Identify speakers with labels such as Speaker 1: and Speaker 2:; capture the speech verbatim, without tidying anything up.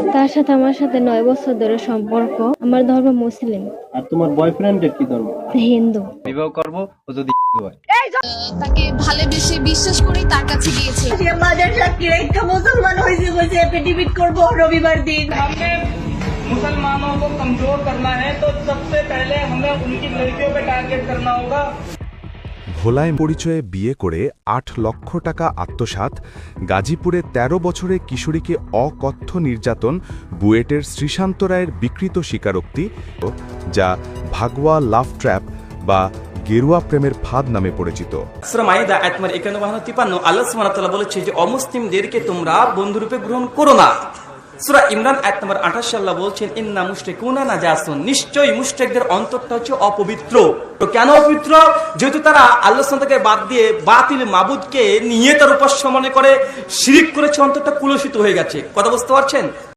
Speaker 1: তার সাথে আমার সাথে নয় বছর ধরে সম্পর্ক। আমার ধর্ম মুসলিম।
Speaker 2: আর তোমার বয়ফ্রেন্ডের কি ধর্ম?
Speaker 1: হিন্দু।
Speaker 3: বিবাহ করব ও যদি হয়।
Speaker 4: তাকে ভালোবেসে বিশ্বাস করেই তার কাছে গিয়েছে।
Speaker 5: মাজার সাক্ষী রেখা মুসলমান হয়েছে বলছে এফিডেভিট করবো রবিবার দিন।
Speaker 6: हमने मुसलमानों को कमजोर करना है तो सबसे पहले हमें उनकी लड़कियों पे टारगेट करना होगा।
Speaker 7: ভোলায় পরিচয়ে বিয়ে করে আট লক্ষ টাকা আত্মসাৎ, গাজীপুরে ১৩ বছরে কিশোরীকে অকথ্য নির্যাতন, বুয়েটের শ্রীশান্ত রায়ের বিকৃত স্বীকারোক্তি, যা ভাগওয়া লাভ ট্র্যাপ বা গেরুয়া প্রেমের ফাঁদ নামে পরিচিত।
Speaker 8: সূরা মাইদা আয়াত নম্বর একান্ন বাহান্ন তিপ্পান্ন আল্লাহ সুবহানাহু ওয়া তাআলা বলেছে যে অমুসলিমদেরকে তোমরা বন্ধুরূপে গ্রহণ করো না। সূরা ইমরান আয়াত নম্বর আঠাশ আল্লাহ বলছেন ইন্না মুশরিকুনা নাজাসুন, নিশ্চয়ই মুশরিকদের অন্তরটা হচ্ছে অপবিত্র। তো কেন অপবিত্র? যেহেতু তারা আল্লাহ সুবহানাহু ওয়া তাআলাকে বাদ দিয়ে বাতিল মাবুদকে নিয়ে তার উপাস্য মনে করে শিরক করেছে, অন্তরটা কুলসিত হয়ে গেছে। কথা বুঝতে পারছেন?